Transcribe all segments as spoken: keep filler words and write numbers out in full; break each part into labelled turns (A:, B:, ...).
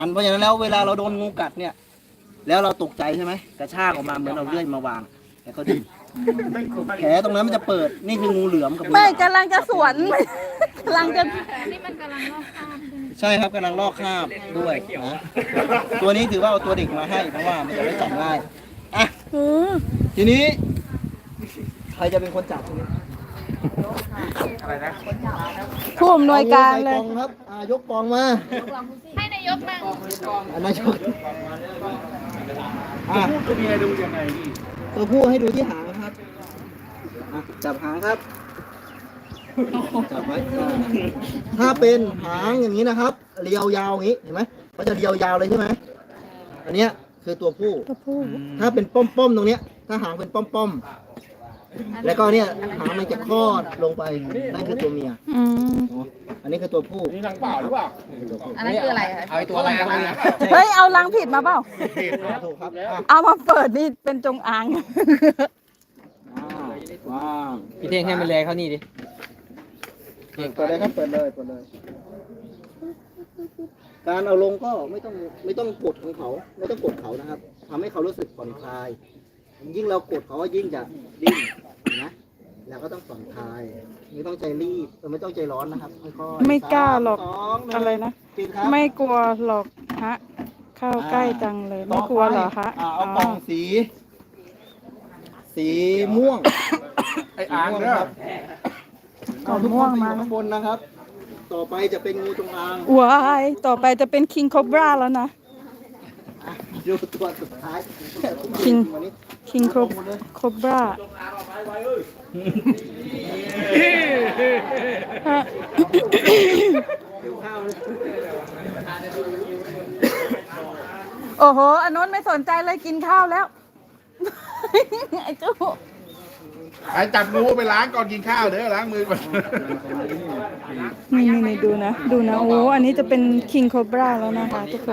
A: อันเพราะฉะนั้นแล้วเวลาเราโดนงูกัดเนี่ยแล้วเราตกใจใช่ไหมกระชากออกมาเหมือนเราเลื่อยมาวางแล้วก็ดึงแผลตรงนั้นมันจะเปิดนี่คืองูเหลือมกับงู
B: ไม่กำลังจะสวนกำลังจะ
C: นี่มันกำลังลอกคราบใช่ไหม
A: ใช่ครับกำลังลอกคราบด้วยนะตัวนี้ถือว่าเอาตัวเด็กมาให้เพราะว่ามันจะได้จับง่ายอ่ะ
B: อืม
A: ทีนี้ใครจะเป็นคนจับทีนี้
B: ผู้อำนวยการเลย
A: องูใส่กองครับอ่ายกกองมา
C: ให้นายกนั่ง
A: อันนั้นยกอ่ะตัวผู้ให้ดูยังไงตัวผู้ให้ดูที่หางครับอ่ะจับหางครับจับไว้อ่าถ้าเป็นหางอย่างนี้นะครับเรียวยาวอย่างนี้เห็นไหมเขาจะเรียวยาวเลยใช่ไหมอันเนี้ยคือตัวผู้
B: ตัวผู้
A: ถ้าเป็นป้อมๆตรงเนี้ยถ้าหางเป็นป้อมๆแล้วก็เนี่ยหางมันจะคลอดลงไปนั่นคือตัวเมีย
B: อืม
A: อ๋ออันนี้คือตัวผู้
D: นี่นางเปล่าหรือเปล่า
C: อันนั้นคืออะไรคะ
D: เอาไอ้ตัวอะไรมาเนี่ย
B: เฮ้ยเอาลังผิดมาเปล่า
A: ถูกครับอ่ะ
B: เอามาเปิดนี่เป็นจงอาง
A: ว้าว
E: พี่เท่งให้มันแลเขานี่ดิ
A: เปิดเลยครับเปิดเลยเปิดเลย การเอาลงก็ไม่ต้องไม่ต้องกดของเขาไม่ต้องกดเขานะครับทำให้เขารู้สึกผ่อนคลาย ยิ่งเรากดเขายิ่งจะดิ้นนะแล้วก็ต้องผ่อนคลายไม่ต้องใจรีบเออไม่ต้องใจร้อนนะครับค่อยๆ
B: ไม่กล้าหรอก
A: สามสงหนึ่ง
B: อะไรนะ
A: ปิดครับ
B: ไม่กลัวหรอกฮะ เข้าใกล้จังเลย ไม่กลัวเหรอฮะ
A: อ่าเอากล่องสี สีม่วง
D: ไอ้อ่างเด้อ
B: เอาม่วงมา
A: ข้างบนนะครับ ต่อไปจะเป็นงูจงอาง
B: ว้ายต่อไปจะเป็นคิงคอบราแล้วนะ
A: อ่ะดูตัวสุดท้าย
B: คิง
A: วันนี้
B: คิงคอบคอบราฮะ
A: เดี๋ยวข้าวเลย
B: โอ้โหอันโน้นไม่สนใจเลยกินข้าวแล้ว ไอ้เจ้า
D: ไอ้จับงูไปล้างก่อนกินข้าวเด้อล้างมือก่อน
B: นี่นี่ดูนะ ดูนะ โอ้ อันนี้จะเป็นคิงคอบราแล้วนะคะทุกคน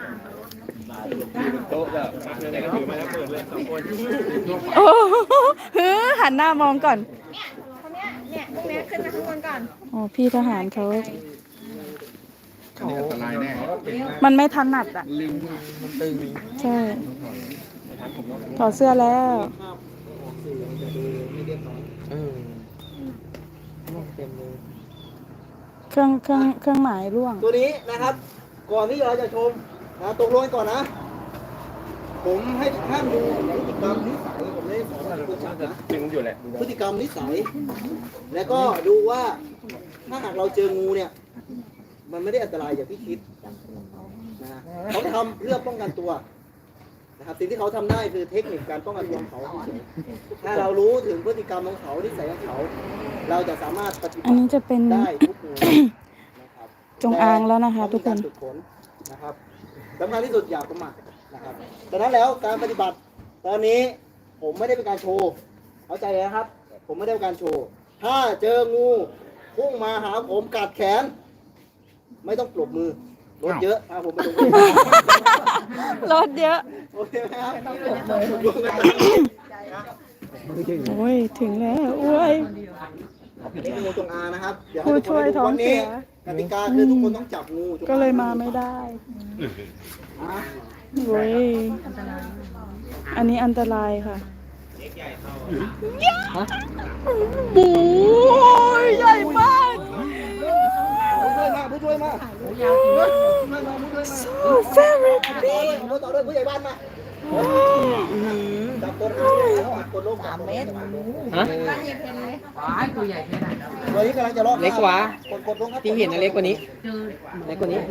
B: โอ้โหฮือหันหน้ามองก่อน
C: คนเนี้ยเนี่ยพวกเนี้ยขึ้นมาข้างบนก่อน
B: อ๋อ พี่ทหารเขา
D: อันนี้อันตรายแน่
B: มันไม่ถนัดอ่ะ
E: มันตึง
B: ใช่ ถอดเสื้อแล้ว
A: ภาพออกสื่อมันจะดูไม่เรียบร้อย
E: เออเต็มเลย
B: เครื่องเครื่องเครื่องหมายร่วง
A: ตัวนี้นะครับ ก่อนที่เราจะชมนะตกลงกันก่อนนะ ผมให้ทุกท่านดูพฤติกรรมนิสัยผมไม่ได้สอนอะไรคุณชักนะ
D: ดึงอยู่แหละ
A: พฤติกรรมนิสัย แล้วก็ดูว่าถ้าหากเราเจองูเนี่ย มันไม่ได้อันตรายอย่างที่คิดนะเขาทำเพื่อป้องกันตัวนะครับสิ่งที่เขาทำได้คือเทคนิคการป้องกันตัวของเขาเฉยๆถ้าเรารู้ถึงพฤติกรรมของเขานิสัยของเขา เราจะสามารถปฏิบั
B: อัน
A: ติ
B: นี้จะเป็น
A: ได้ทุกงูนะครับ
B: จงอางแล้วนะคะทุกคน
A: ต้องมีารฝึกฝนนะครับสำคัญที่สุดอย่าประมาทนะครับดังนั้นแล้วการปฏิบัติตอนนี้ผมไม่ได้เป็นการโชว์เข้าใจเลยนะครับ ผมไม่ได้เป็นการโชว์ ถ้าเจองูพุ่งมาหาผมกัดแขน ไม่ต้องปรบมือรถเยอะพาผมไปโรงพยาบาล
B: รถเยอะ
A: โอเคไหมครับ
B: โอ้ย ถึงแล้วโอ้ย
A: นี่คืองูจงอางนะครับเดี๋ยว
B: ผู้
A: ให้ทุก
B: ช่วย
A: คนดู
B: ท้อง
A: วัน
B: เสี
A: นี้
B: ย
A: กติกาคือทุกคนต้องจับงูจงอาง
B: ก็เลยมาไม่ได้
A: อ่ะ
B: โอ้ย อันนี้อันตรายค่ะโอ้ยใหญ่มาก
A: ผู้ช่วยมาผู้ช่วยมา
B: so very big
A: รถต่อด้วยผู้ใหญ่บ้านมาจับต้นขาแล้วอัดคนลงสามเมตร
E: ฮะ
A: ตัวนี้กำลังจะลอก
E: เล็กกว่า
A: กดกดลงครับ
E: ที่เห็นนะเล็กกว่านี้ เล็กกว่านี้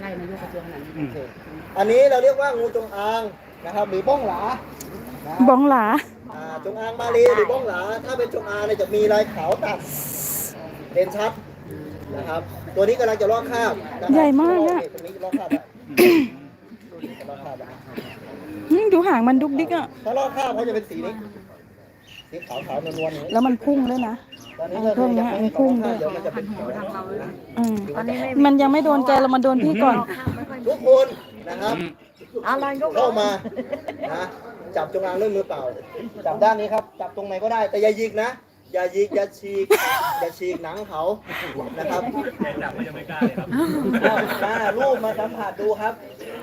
A: อันนี้เราเรียกว่างูจงอางนะครับหรือบ้องหลานะ
B: บ้องหลา
A: อ่าจงอางมาลีหรือบ้องหลา ถ้าเป็นจงอางเนี่ยจะมีลายขาวตัดเด่นชัดนะครับ ตัวนี้กำลังจะลอกคราบนะครับ
B: ใหญ่มากอะ
A: ตัวนี้ลอกคราบแล้วลอกคราบแล้ว
B: อืมดูหางมันดุกดิกอ่ะ
A: ถ้าลอกคราบเขาจะเป็นสีนี้สีขาวขาวนวลๆอย่างนี้
B: แล้วมันพุ่งด้วยนะ
A: ตอนนี้
B: เอา
A: ก็
B: พวกเนี้
A: ยั
B: ย
A: งไม่
B: มันพุ่งด้วย
A: เดี๋ยวมันจะเป็นแถว
B: อืมมันยังไม่โดนแกแล้วมันโดนพี่ก่อน
A: ทุกคนนะครับเข้ามานะจับจงอางด้วยมือเปล่า จับด้านนี้ครับ จับตรงไหนก็ได้ แต่อย่ายิกนะ อย่ายิกอย่าฉีก อย่าฉีกหนังเขานะครับจับมันยังไม่กล้าเลยครับมารูปมาสัมผัสดูครับ